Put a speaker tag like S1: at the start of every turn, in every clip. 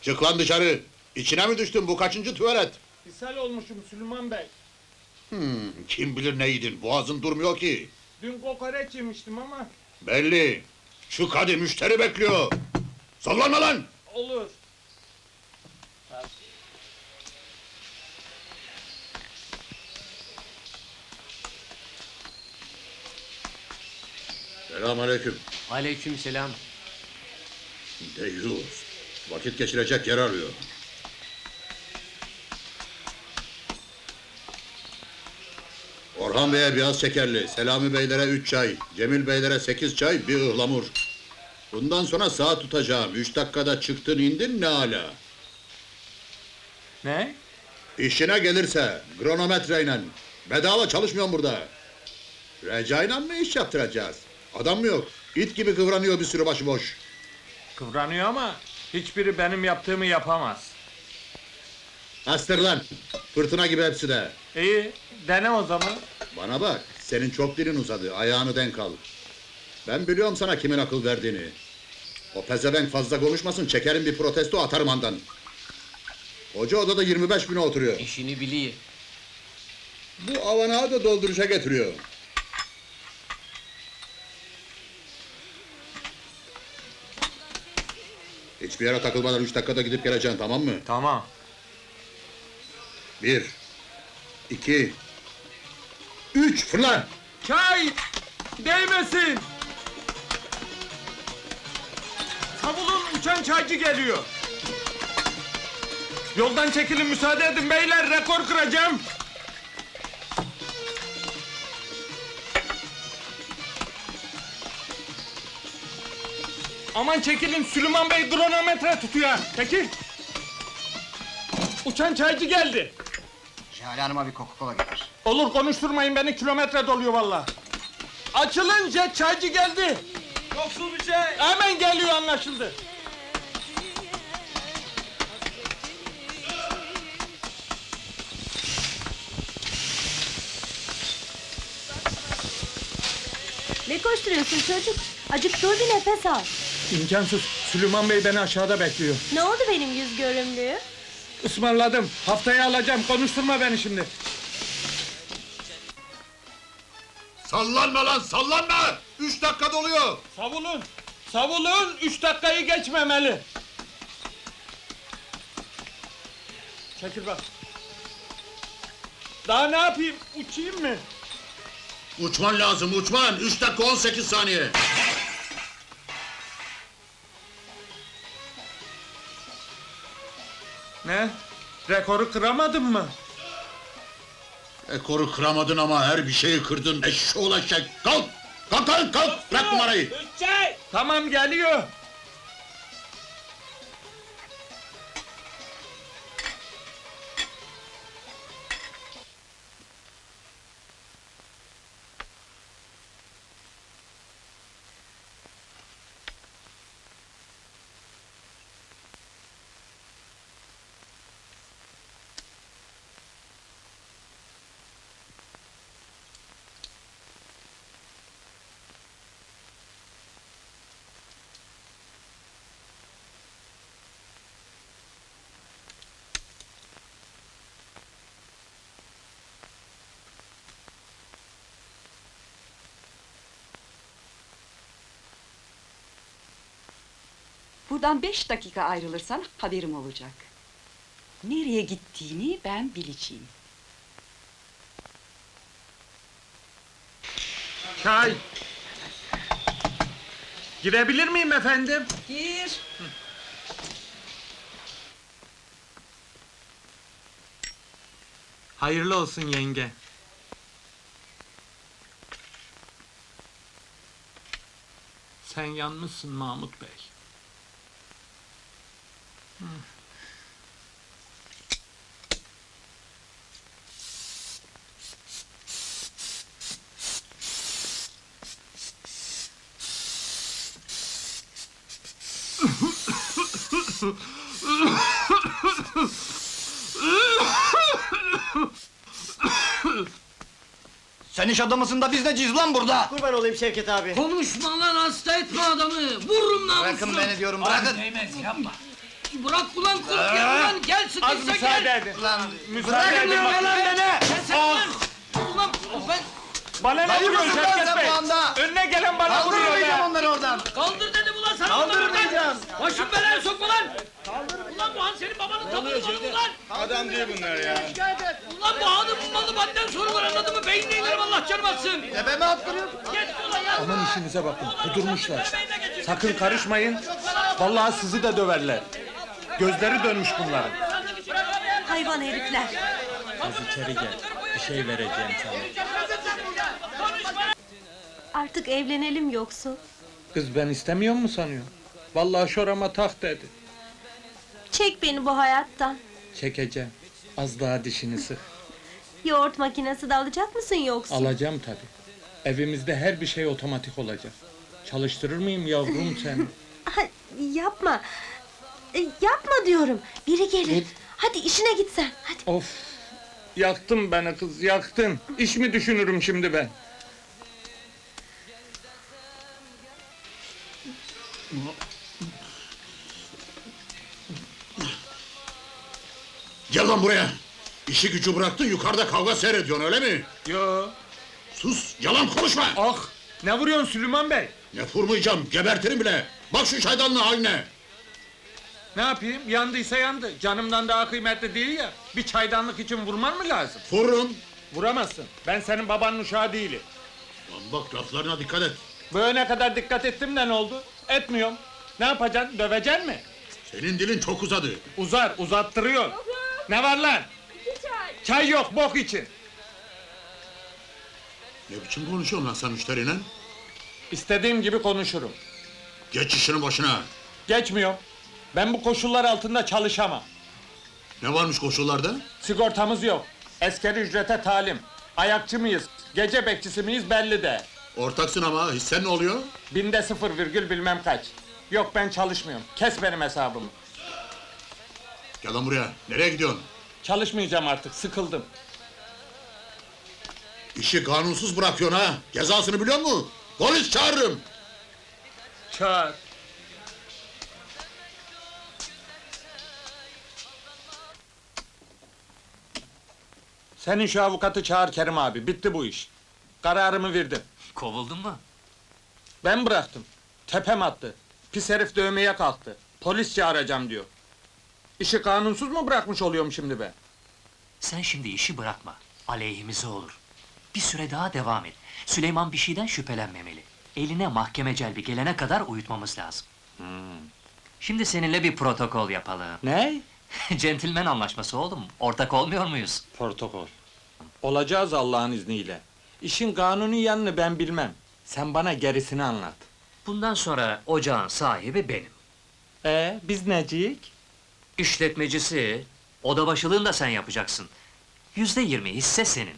S1: Çık lan dışarı! İçine mi düştün, bu kaçıncı tuvalet?
S2: İshal olmuşum Süleyman Bey.
S1: Kim bilir ne yedin, boğazın durmuyor ki!
S2: Dün kokoreç yemiştim ama...
S1: Belli! Çık hadi, müşteri bekliyor! Sallanma lan!
S2: Olur.
S1: Selamünaleyküm.
S3: Aleykümselam.
S1: Deyyus! Vakit geçirecek yer arıyor. Orhan Bey'e biraz şekerli, Selami Beylere 3 çay, Cemil Beylere 8 çay, bir ıhlamur. Bundan sonra saat tutacağım, 3 dakikada çıktın indin ne ala.
S2: Ne?
S1: İşine gelirse, kronometreyle. Bedava çalışmıyorum burada. Recai'yle mı iş yaptıracağız? Adam mı yok? İt gibi kıvranıyor bir sürü başıboş.
S2: Kıvranıyor ama... hiçbiri benim yaptığımı yapamaz.
S1: Astır lan! Fırtına gibi hepsi de.
S2: İyi, dene o zaman.
S1: Bana bak, senin çok dilin uzadı, ayağını denk al. Ben biliyorum sana kimin akıl verdiğini. O pezevenk fazla konuşmasın, çekerim bir protesto atarım andan. Hoca odada 25 bine oturuyor.
S3: İşini biliyor.
S1: Bu avanağı da dolduruşa getiriyor. Hiçbir yere takılmadan 3 dakikada gidip geleceksin, tamam mı?
S2: Tamam.
S1: 1 2 3 fırla!
S2: Çay! Değmesin! Savulun, uçan çaycı geliyor! Yoldan çekilin, müsaade edin beyler, rekor kıracağım! Aman çekilin, Süleyman Bey kronometre tutuyor! Çekil! Uçan çaycı geldi!
S4: Jale Hanım'a bir Coca-Cola getir.
S2: Olur, konuşturmayın beni, kilometre doluyor vallahi. Açılın, jet çaycı geldi! Yoksul bir şey! Hemen geliyor, anlaşıldı!
S5: Ne koşturuyorsun çocuk? Acık dur bir nefes al.
S2: İmkansız, Süleyman Bey beni aşağıda bekliyor.
S5: Ne oldu benim yüz görümlüğü?
S2: Ismarladım, haftaya alacağım, konuşturma beni şimdi.
S1: Sallanma lan, sallanma! 3 dakika doluyor!
S2: Savulun! Savulun! 3 dakikayı geçmemeli! Çekil bak! Daha ne yapayım? Uçayım mı?
S1: Uçman lazım, uçman! 3 dakika 18 saniye!
S2: Ne? Rekoru kıramadın mı?
S1: Ekoru kıramadın ama her bir şeyi kırdın, eşşoğlu eşek! Kalk! Kalk kalk kalk! Bırak numarayı!
S2: Tamam, geliyor!
S6: Buradan 5 dakika ayrılırsan haberim olacak. Nereye gittiğini ben bileceğim.
S2: Çay! Girebilir miyim efendim?
S6: Gir.
S2: Hayırlı olsun yenge. Sen yanmışsın Mahmut Bey.
S4: Sen iş adamısın da biz neciyiz lan burada?
S7: Kurban olayım Şevket abi.
S3: Konuşma lan, hasta etme adamı! Vururum namusunu!
S4: Bırakın beni diyorum, bırakın!
S3: Değmez, yapma! Bırak ulan kurt ya ulan gel
S2: Az
S3: sıkıysa
S2: müsaade
S3: gel.
S2: edin. Müsaade edin bak.
S3: Kesin lan. Ulan ben
S2: Bana ne vuruyorsun
S4: mısın lan
S2: Şevket
S4: sen
S2: Bey?
S4: bu anda?
S2: Önüne gelen bana vuruyor
S4: Kaldırmayacağım
S2: ya.
S4: onları oradan.
S3: kaldır dedim ulan sana
S4: Kaldırmayacağım.
S3: Başım belaya sokma lan. Ulan bu han senin babanın tabanı ulan.
S2: Adam değil bunlar ya.
S3: Ulan bu hanı bulmalı benden soru var anladın mı? Beynine inerim Allah canım atsın.
S4: Tepeme attırıyorsun.
S3: Geç ulan ya.
S2: Aman işinize bakın, kudurmuşlar.
S3: Beynine geçir.
S2: Sakın karışmayın. Vallahi sizi de döverler. Gözleri dönmüş bunların.
S5: Hayvan herifler.
S2: Az içeri gel. Bir şey vereceğim sana.
S5: Artık evlenelim yoksa.
S2: Kız ben istemiyor mu sanıyor? Vallahi şorama tak dedi.
S5: Çek beni bu hayattan.
S2: Çekeceğim. Az daha dişini sık.
S5: Yoğurt makinesi de alacak mısın yoksa?
S2: Alacağım tabii. Evimizde her bir şey otomatik olacak. Çalıştırır mıyım yavrum sen?
S5: Ha, yapma. Yapma diyorum. Biri gelir. Hadi işine git sen. Hadi.
S2: Of! Yaktın beni kız, yaktın. İş mi düşünürüm şimdi ben?
S1: Gel lan buraya. İşi gücü bıraktın yukarıda kavga seyrediyorsun öyle mi?
S2: Yo!
S1: Sus yalan konuşma.
S2: Ah! Ne vuruyorsun Süleyman Bey?
S1: Ne vurmayacağım gebertirim bile. Bak şu çaydanlığın haline.
S2: Ne yapayım? Yandıysa yandı. Canımdan daha kıymetli değil ya. Bir çaydanlık için vurman mı lazım?
S1: Vururum.
S2: Vuramazsın. Ben senin babanın uşağı değilim.
S1: Lan bak laflarına dikkat et.
S2: Böyle kadar dikkat ettim de ne oldu? Etmiyorum. Ne yapacaksın? Döveceksin mi?
S1: Senin dilin çok uzadı.
S2: Uzar, uzattırıyor. Ne var lan? Çay yok, bok için.
S1: Ne biçim konuşuyorsun lan sen müşteriyle?
S2: İstediğim gibi konuşurum.
S1: Geç işinin başına.
S2: Geçmiyorum. Ben bu koşullar altında çalışamam.
S1: Ne varmış koşullarda?
S2: Sigortamız yok. Askeri ücrete talim. Ayakçı mıyız? Gece bekçisi miyiz belli de.
S1: Ortaksın ama hissen ne oluyor?
S2: Binde 0 virgül bilmem kaç. Yok ben çalışmıyorum. Kes benim hesabımı.
S1: Gel lan buraya. Nereye gidiyorsun?
S2: Çalışmayacağım artık. Sıkıldım.
S1: İşi kanunsuz bırakıyorsun ha. Cezasını biliyor musun? Polis çağırırım.
S2: Çağır. Senin şu avukatı çağır Kerim abi. Bitti bu iş. Kararımı verdim.
S3: Kovuldun mu?
S2: Ben bıraktım. Tepem attı. Pis herif dövmeye kalktı. Polis çağıracağım diyor. İşi kanunsuz mu bırakmış oluyorum şimdi ben?
S7: Sen şimdi işi bırakma. Aleyhimize olur. Bir süre daha devam et. Süleyman bir şeyden şüphelenmemeli. Eline mahkeme celbi gelene kadar uyutmamız lazım. Şimdi seninle bir protokol yapalım.
S2: Ne?
S7: Centilmen anlaşması oğlum. Ortak olmuyor muyuz?
S2: Protokol. Olacağız Allah'ın izniyle. İşin kanuni yanını ben bilmem. Sen bana gerisini anlat.
S7: Bundan sonra ocağın sahibi benim.
S2: Biz neciyik?
S7: İşletmecisi, oda başılığını da sen yapacaksın. %20 hisse senin.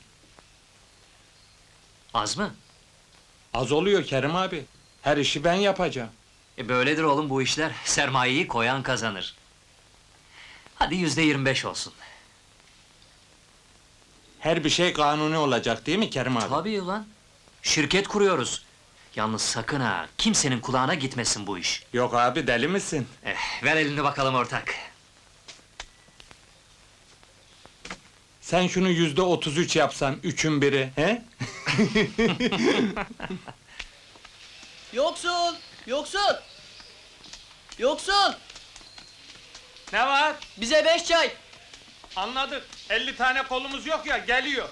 S7: Az mı?
S2: Az oluyor Kerim abi. Her işi ben yapacağım.
S7: Böyledir oğlum bu işler. Sermayeyi koyan kazanır. Hadi %25 olsun.
S2: Her bir şey kanuni olacak değil mi Kerim abi?
S7: Tabii ulan. Şirket kuruyoruz. Yalnız sakın ha, kimsenin kulağına gitmesin bu iş.
S2: Yok abi deli misin?
S7: Ver elini bakalım ortak.
S2: Sen şunu %33 yapsan, üçün biri, he?
S3: Yoksul! Yoksul! Yoksul!
S2: Ne var?
S3: Bize 5 çay!
S2: Anladık. 50 tane kolumuz yok ya, geliyor.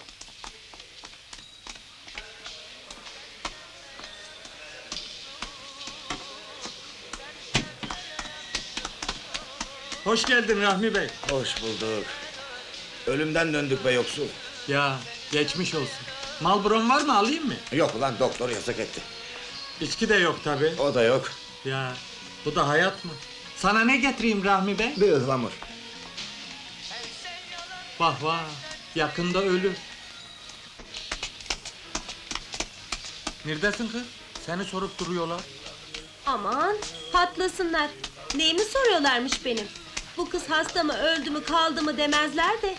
S2: Hoş geldin Rahmi Bey.
S8: Hoş bulduk. Ölümden döndük be yoksul.
S2: Ya, geçmiş olsun. Malbron var mı, alayım mı?
S8: Yok ulan doktor yasak etti.
S2: İçki de yok tabi.
S8: O da yok.
S2: Ya, bu da hayat mı? Sana ne getireyim Rahmi Bey?
S8: Bir ıhlamur.
S2: Vah vah, yakında ölür. Neredesin kız? Seni sorup duruyorlar.
S5: Aman patlasınlar. Neyimi soruyorlarmış benim? Bu kız hasta mı, öldü mü, kaldı mı demezler de.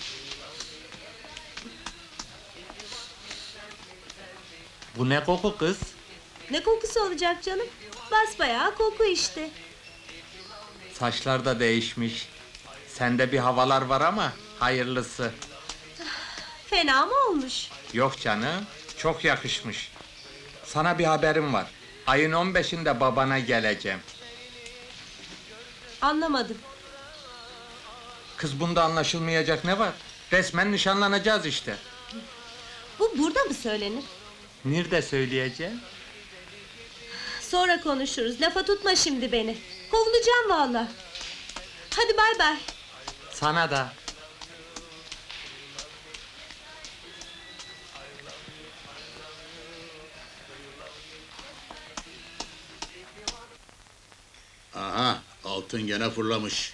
S2: Bu ne koku kız?
S5: Ne kokusu olacak canım? Basbayağı koku işte.
S2: Saçlar da değişmiş. Sende bir havalar var ama hayırlısı.
S5: Fena mı olmuş?
S2: Yok canım, çok yakışmış. Sana bir haberim var. Ayın 15'inde babana geleceğim.
S5: Anlamadım.
S2: Kız bunda anlaşılmayacak ne var? Resmen nişanlanacağız işte.
S5: Bu burada mı söylenir?
S2: Nerede söyleyeceğim?
S5: Sonra konuşuruz. Lafa tutma şimdi beni. Kovulacağım vallahi. Hadi bay bay.
S2: Sana da.
S1: Aha, altın gene fırlamış.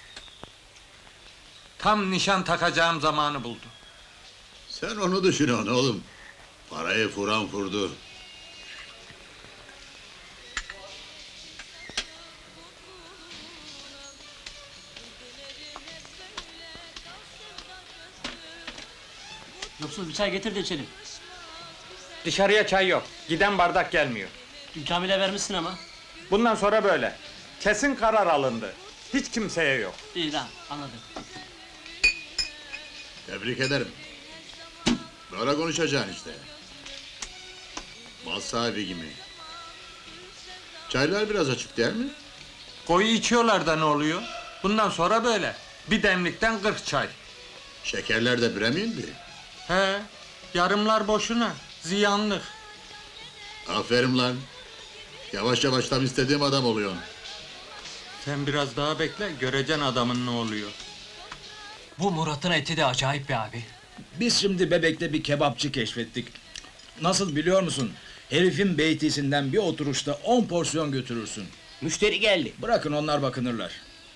S2: Tam nişan takacağım zamanı buldu.
S1: Sen onu düşünüyorsun oğlum. Parayı furan furdu.
S9: Yoksul bir çay getir de içelim.
S2: Dışarıya çay yok. Giden bardak gelmiyor.
S9: Dün Kamil'e vermişsin ama.
S2: Bundan sonra böyle. Kesin karar alındı. Hiç kimseye yok.
S9: İyi lan, anladım.
S1: Tebrik ederim. Böyle konuşacaksın işte. Mal sahibi gibi. Çaylar biraz açık değil mi?
S2: Koyu içiyorlar da ne oluyor? Bundan sonra böyle. Bir demlikten 40 çay.
S1: Şekerler de bire mi indi?
S2: He, yarımlar boşuna. Ziyanlık.
S1: Aferin lan. Yavaş yavaş tam istediğim adam oluyorsun.
S2: Sen biraz daha bekle, göreceksin adamın ne oluyor.
S7: Bu Murat'ın eti de acayip be abi.
S8: Biz şimdi Bebek'te bir kebapçı keşfettik. Nasıl biliyor musun? Herifin beytisinden bir oturuşta 10 porsiyon götürürsün.
S3: Müşteri geldi.
S8: Bırakın onlar bakınırlar.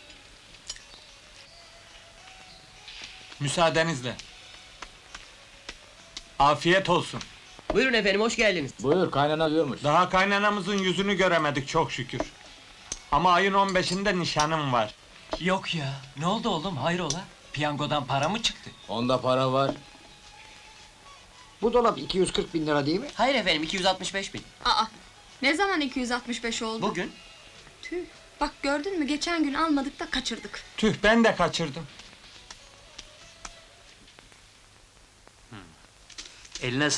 S2: Müsaadenizle. Afiyet olsun.
S3: Buyurun efendim, hoş geldiniz.
S8: Buyur, kaynana diyormuş.
S2: Daha kaynanamızın yüzünü göremedik çok şükür. Ama ayın 15'inde nişanım var.
S7: Yok ya, ne oldu oğlum, hayrola? Piyangodan para mı çıktı?
S8: Onda para var.
S4: Bu dolap 240 bin lira değil mi?
S3: Hayır efendim, 265.000.
S10: Aa, ne zaman 265 oldu?
S3: Bugün.
S10: Tüh, bak gördün mü geçen gün almadık da kaçırdık.
S2: Tüh, ben de kaçırdım.
S7: Eline